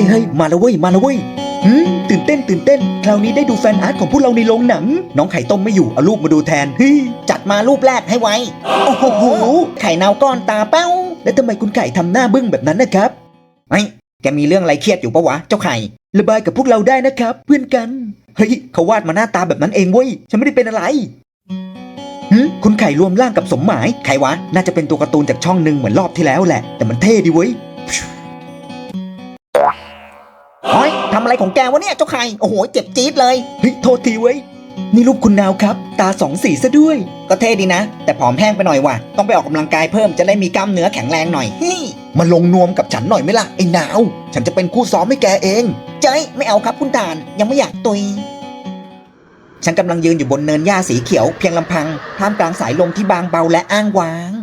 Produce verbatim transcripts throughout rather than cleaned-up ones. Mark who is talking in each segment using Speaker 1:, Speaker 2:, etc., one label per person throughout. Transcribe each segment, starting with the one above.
Speaker 1: ฮ้ยเฮ้ยมาแล้วเว้ยมาแล้วเว้ยหืมตื่นเต้นตื่นเต้นคราวนี้ได้ดูแฟนอาร์ตของพวกเราในโรงหนังน้องไข่ต้มไม่อยู่เอารูปมาดูแทนเฮ้ยจัดมารูปแรกให้ไวโอ้โหไข่เน่าก้อนตาเป้าแล้วทำไมคุณไข่ทำหน้าบึ้งแบบนั้นนะครับไอ้แกมีเรื่องอะไรเครียดอยู่ปะวะเจ้าไข่ระบายกับพวกเราได้นะครับเพื่อนกันเฮ้ยเขาวาดมาหน้าตาแบบนั้นเองเว้ยฉันไม่ได้เป็นอะไรหืมคุณไข่รวมร่างกับสมหมายใครวะน่าจะเป็นตัวการ์ตูนจากช่องหนึ่งเหมือนรอบที่แล้วแหละแต่มันเท่ดีเว้ยโอ้ยทำอะไรของแกวะเนี่ยเจ้าไข่โอ้โหเจ็บจี๊ดเลยเฮ้ยโทษทีเว้ยนี่รูปคุณนาวครับตาสองสีซะด้วยก็เท่ดีนะแต่ผอมแห้งไปหน่อยว่ะต้องไปออกกำลังกายเพิ่มจะได้มีกล้ามเนื้อแข็งแรงหน่อยเฮ้ยมาลงนวมกับฉันหน่อยไหมล่ะไอ้นาวฉันจะเป็นคู่ซ้อมให้แกเองเจ้ยไม่เอาครับคุณตาลยังไม่อยากตุยฉันกำลังยืนอยู่บนเนินหญ้าสีเขียวเพียงลำพังท่ามกลางสายลมที่บางเบาและอ้างว้าง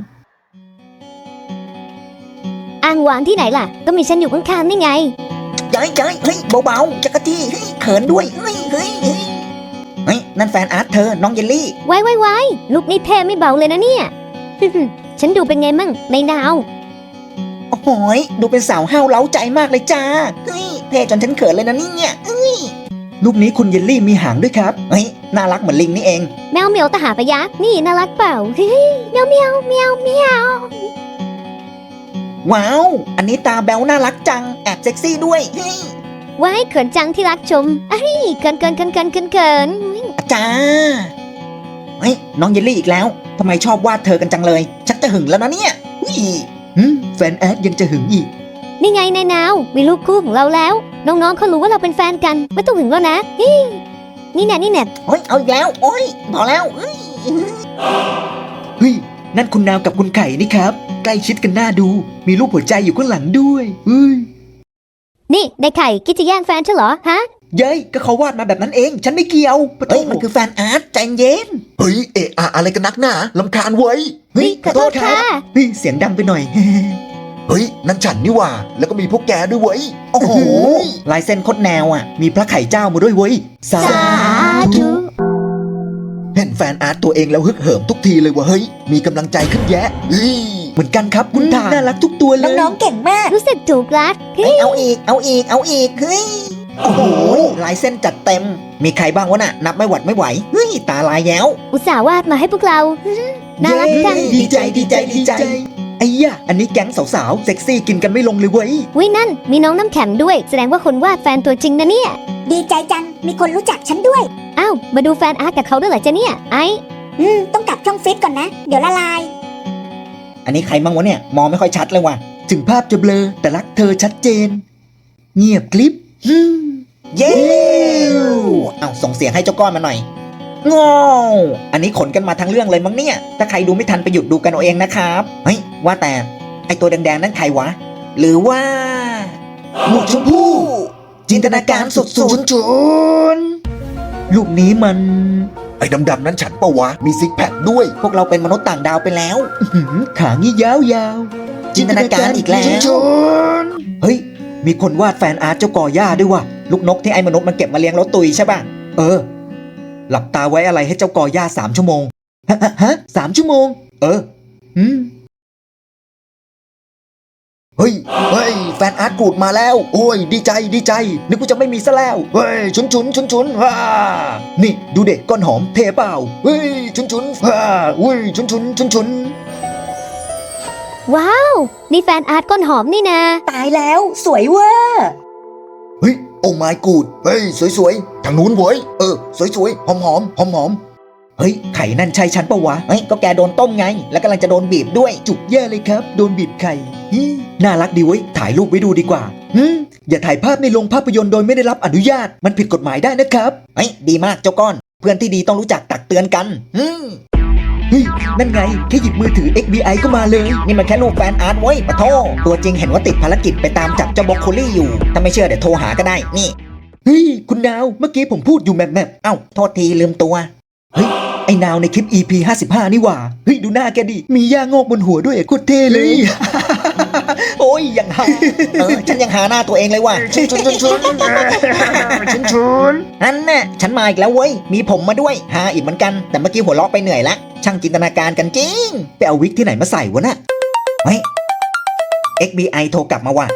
Speaker 2: อ้างว้างที่ไหนล่ะก็มีฉันอยู่ข้างๆนี่ไง
Speaker 1: เจ้ยเจ้ยเฮ้ยเบาๆจักรจี้เฮ้ยเขินด้วยเฮ้ยเฮ้ยเฮ้ยเฮ้ยนั่นแฟนอาร์ตเธอน้องเยลลี่
Speaker 2: ไว้ไว้ไว้ลูกนี่เท่ไม่เบาเลยนะเนี่ย ฉันดูเป็นไงมั่งในดาว
Speaker 1: โอ้โหดูเป็นสาวห้าวเล้าใจมากเลยจ้าเฮ้ยเท่จนฉันเขินเลยนะเนี่ยเฮ้ยรูปนี้คุณเยลลี่มีหางด้วยครับเฮ้ยน่ารักเหมือนลิงนี่เอง
Speaker 2: แมวเหมียวตาหาปะยักษ์นี่น่ารักเปล่าเฮ้ยเมียวเมียวเมียวเมียว
Speaker 1: ว้าวอันนี้ตาแบ๊วน่ารักจังแอบเซ็กซี่ด้วยเฮ้ย
Speaker 2: ไว้เขินจังที่รักชมเฮ้ยเกินเกินเกินเกินเกินเกิน
Speaker 1: จ้าเฮ้ยน้องเยลลี่อีกแล้วทำไมชอบวาดเธอกันจังเลยชักจะหึงแล้วนะเนี่ยนี่แฟนแอดยังจะหึงอีก
Speaker 2: นี่ไงนายนาวมีลูกคู่ของเราแล้วน้องๆเขารู้ว่าเราเป็นแฟนกันไม่ต้องหึงแล้วนะนี่นี่แน่นี่แน่
Speaker 1: โอ้ยเอาอีกแล้วโอ้ยพอแล้วเฮ้ยเฮ้ยนั่นคุณนาวกับคุณไข่นี่ครับใกล้ชิดกันน่าดูมีรูปหัวใจอยู่ข้างหลังด้วยเฮ้ย
Speaker 2: นี่นายไข่คิดจะแย่งแฟนฉันเหรอฮะ
Speaker 1: เย้ยก็เขาวาดมาแบบนั้นเองฉันไม่เกี่ยวเฮ้ยมันคือแฟนอาร์ตใจเย็น
Speaker 3: เฮ้ยเอะอะอะไรกันนักหนาลำคาญเว้ย
Speaker 1: เฮ้ยขอโทษครับเฮ้ยเสียงดังไปหน่อย
Speaker 3: เฮ้ยนั่นฉันนี่ว่าแล้วก็มีพวกแกด้วยเว้ย
Speaker 1: โอ้โหลายเส้นโคตรแนวอ่ะมีพระไข่เจ้ามาด้วยเว้ย
Speaker 2: สาธุ
Speaker 3: เห็นแฟนอาร์ตตัวเองแล้วฮึกเหิมทุกทีเลยว่ะเฮ้ยมีกำลังใจขึ้นแยะเฮ้ย
Speaker 1: เหมือนกันครับคุณตาน่ารักทุกตัวเลย
Speaker 4: น้องๆเก่งมาก
Speaker 2: รู้สึกถูกรัก
Speaker 1: เฮ้ยเอาอีกเอาอีกเอาอีกเฮ้ยโอ้โหลายเส้นจัดเต็มมีใครบ้างวะน่ะนับไม่หวัดไม่ไหวเฮ้ยตาลายแย้ว
Speaker 2: อุตส่าห์วาดมาให้พวกเราน่ารักจัง
Speaker 1: ดีใจดีใจดีใจไอ้ย่ะอันนี้แก๊งสาวๆเซ็กซี่กินกันไม่ลงเลยเว้ย
Speaker 2: วินั่นมีน้องน้ำแข็งด้วยแสดงว่าคนวาดแฟนตัวจริงนะเนี่ย
Speaker 4: ดีใจจังมีคนรู้จักฉันด้วย
Speaker 2: อ้าวมาดูแฟนอาร์ตกับเขาด้วยเหรอจ๊ะเนี่ยไอ
Speaker 4: อืมต้องกลับช่องฟิตก่อนนะเดี๋ยวละลาย
Speaker 1: อันนี้ใครมั่งวะเนี่ยมองไม่ค่อยชัดเลยว่ะถึงภาพจะเบลอแต่รักเธอชัดเจนเงียบกลิปเย้เอาส่งเสียงให้เจ้าก้อนมาหน่อยงออันนี้ขนกันมาทั้งเรื่องเลยมั้งเนี่ยถ้าใครดูไม่ทันไปหยุดดูกันเอาเองนะครับเฮ้ยว่าแต่ไอตัวแดงๆนั่นใครวะหรือว่าหมวกชมพู่จินตนาการสุดๆจุนลูกนี้มัน
Speaker 3: ไอ้ดำๆนั้นฉันปะวะมีซิกแพคด้วย
Speaker 1: พวกเราเป็นมนุษย์ต่างดาวไปแล้วขางี้ยาวๆจินตนาการอีกแล้วเฮ้ยมีคนวาดแฟนอาร์ตเจ้ากอหญ้าด้วยว่ะลูกนกที่ไอ้มนุษย์มันเก็บมาเลี้ยงแล้วตุยใช่ป่ะเออหลับตาไว้อะไรให้เจ้ากอหญ้าสามชั่วโมงฮะฮะสามชั่วโมงเอออืม
Speaker 3: เฮ้ยเฮ้ยแฟนอาร์ตกูดมาแล้วโอ้ยดีใจดีใจนึกว่าจะไม่มีซะแล้วเฮ้ยชุนชุนชุนชุนฮ่า
Speaker 1: นี่ดูเด็กก้อนหอมเทเปล่า
Speaker 3: เฮ้ยชุนชุนฮ่าอุ้ยชุนชุนชุนชุน
Speaker 2: ว้าวนี่แฟนอาร์ตก้นหอมนี่นะ
Speaker 4: ตายแล้วสวยเวอร์
Speaker 3: เฮ้ยโอ้ไม่กูดเฮ้ยสวยๆทางนู้นเว้ยเออสวยๆหอมหอมหอมหอม
Speaker 1: เฮ้ยไข่นั่นใช่ฉันปะวะเฮ้ยก็แกโดนต้มไงแล้วกำลังจะโดนบีบด้วยจุกแย่เลยครับโดนบีบไข่น่ารักดีเว้ยถ่ายรูปไว้ดูดีกว่าอืมอย่าถ่ายภาพในโรงภาพยนตร์โดยไม่ได้รับอนุญาตมันผิดกฎหมายได้นะครับเฮ้ยดีมากเจ้าก้อนเพื่อนที่ดีต้องรู้จักตักเตือนกันอืมเฮ้ยนั่นไงแค่หยิบมือถือ เอ็กซ์ บี ไอ ก็มาเลยนี่มันแค่รูปแฟนอาร์ตเว้ยปะโทตัวจริงเห็นว่าติดภารกิจไปตามจับเจ้าบล็อกโคลี่อยู่ถ้าไม่เชื่อเดี๋ยวโทรหาก็ได้นี่เฮ้ยคุณนาวเมื่อกี้ผมพูดอยู่แมบแมบเอ้าโทษทีลืมตัวเฮ้ยไอ้นาวในคลิป อี พี ห้าสิบห้านี่หว่าเฮ้ยดูหน้าแกดิมีย่างอกบนหัวด้วยโคตรเท่เลยโอ้ยยังหาเออฉันยังหาหน้าตัวเองเลยว่ะชุนชุนชุนชุนชุนชุนนั่นน่ะฉันมาอีกแล้วเว้ยมีผมมาด้วยหาอีกเหมือนกันแต่เมื่อกี้หัวเราะไปเหนื่อยละช่างจินตนาการกันจริงไปเอาวิกที่ไหนมาใส่วะน่ะเฮ้ย เอ็กซ์ บี ไอ โทรกลับมาว่ะ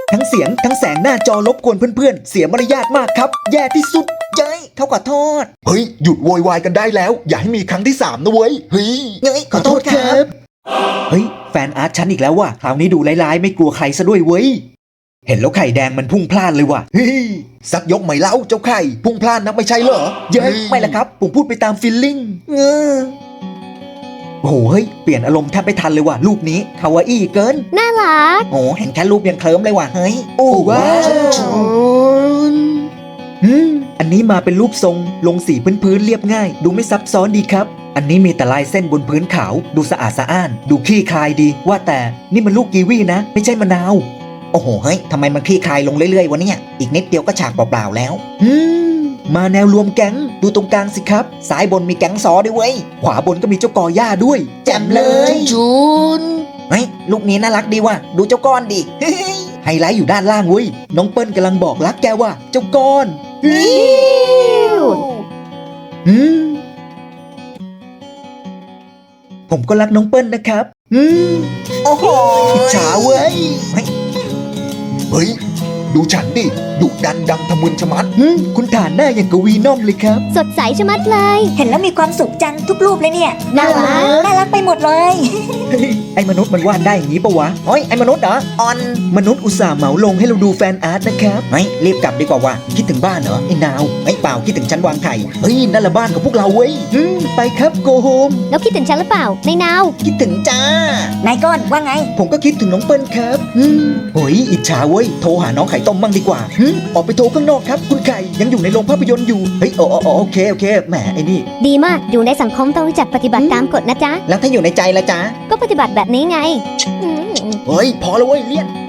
Speaker 1: ทั้งเสียงทั้งแสงหน้าจอรบกวนเพื่อนๆ เสียมารยาทมากครับ แย่ที่สุด
Speaker 3: เย้ยเขาขอโทษ เฮ้ย หยุดโวยวายกันได้แล้ว อย่าให้มีครั้งที่สามนะเว้ย เฮ้ย
Speaker 4: เย้ยขอโทษครับ
Speaker 1: เฮ้ย แฟนอาร์ตฉันอีกแล้วว่ะคราวนี้ดูร้ายๆ ไม่กลัวใครซะด้วยเว้ย เห็นแล้วไข่แดงมันพุ่งพล่านเลยว่ะ
Speaker 3: เฮ้ย สักยกไหมเล่าเจ้าไข่ พุ่งพลาดนักไม่ใช่เหรอ
Speaker 1: เย้ยไม่ละครับ ผมพูดไปตามฟีลลิ่ง
Speaker 3: เออ
Speaker 1: โอ้โหเฮ้ย เปลี่ยนอารมณ์แทบไม่ทันเลยว่ะรูปนี้คาวาอี้เกิน
Speaker 2: น่ารัก
Speaker 3: โอ้เห็นแค่รูปยังเคลิ้มเลยว่ะ เฮ้ย
Speaker 1: โอ้ว้าว
Speaker 3: ชุน
Speaker 1: อืมอันนี้มาเป็นรูปทรงลงสีพื้นๆเรียบง่าย ดูไม่ซับซ้อนดีครับ อันนี้มีแต่ลายเส้นบนพื้นขาว ดูสะอาดสะอ้าน ดูขี้คายดี ว่าแต่นี่มันลูกกีวีนะ ไม่ใช่มะนาว
Speaker 3: โอ้โห เฮ้ย ทำไมมันคลี่คลายลงเรื่อยๆวะเนี่ย อีกนิดเดียวก็ฉากเปล่าๆแล้ว
Speaker 1: อืมมาแนวรวมแก๊งดูตรงกลางสิครับ
Speaker 3: ซ้ายบนมีแก๊งซอด้วยเว้ย
Speaker 1: ขวาบนก็มีเจ้ากอหญ้าด้วย
Speaker 3: แจ่มเลยชุนเฮ้ย ลูกนี้น่ารักดีว่ะ ดูเจ้าก้อนดิ เฮ้ย
Speaker 1: ไฮไลท์อยู่ด้านล่างเว้ยน้องเปิ้ลกำลังบอกรักแกว่า เจ้าก้อน อืมผมก็รักน้องเปิ้ลนะครับ อืม
Speaker 3: โอ้โห
Speaker 1: อิจฉาเว้ย
Speaker 3: เฮ้ย ดูฉันดิ ดุดันดังทะมึนชะมัด
Speaker 1: อืมคุณฐานหน้าอย่างกบวีนอมเลยครับ
Speaker 2: สดใสชะมัดเลย
Speaker 4: เห็นแล้วมีความสุขจังทุกรูปเลยเนี่ย
Speaker 2: น่ารัก
Speaker 4: น่ารักไปหมดเลย
Speaker 1: เฮ้ยไอ้มนุษย์มันวาดได้อย่างนี้ปะวะ
Speaker 3: เฮ้ย ไอ้มนุษย์เหรอ ออน
Speaker 1: มนุษย์อุตส่าห์เหมาลงให้เราดูแฟนอาร์ตนะครับ
Speaker 3: เฮ้ย รีบกลับดีกว่าว่ะ
Speaker 1: คิดถึงบ้านเหรอไอ้นาว
Speaker 3: เฮ้ย เปล่า คิดถึงฉันวางไข่
Speaker 1: เฮ้ยนั่นละบ้านของพวกเราเว้ยอืมไปครับโกโฮม
Speaker 2: แล้วคิดถึงฉันหรือเปล่า ในนาว
Speaker 3: คิดถึงจ้า
Speaker 4: นายก้อนว่าไง
Speaker 1: ผมก็คิดถึงน้องเปิ้ลครับอืมโอ้ยอิจฉาเว้ยโทรหาน้องไข่ต้มมั่งดีกว่าหึออกไปโทรข้างนอกครับ คุณไข่ยังอยู่ในโรงภาพยนตร์อยู่เฮ้ยโอโอโอโอเคโอเคแหมไอ้นี่
Speaker 2: ดีมาก อยู่ในสังคมต้องรู้จักปฏิบัติตามกฎนะจ๊ะ
Speaker 3: แล้วถ้าอยู่ในใจละจ้า
Speaker 2: ก็ปฏิบัติแบบนี้ไงอืม
Speaker 1: เฮ้ยพอแล้วเว้ยเลี่ยน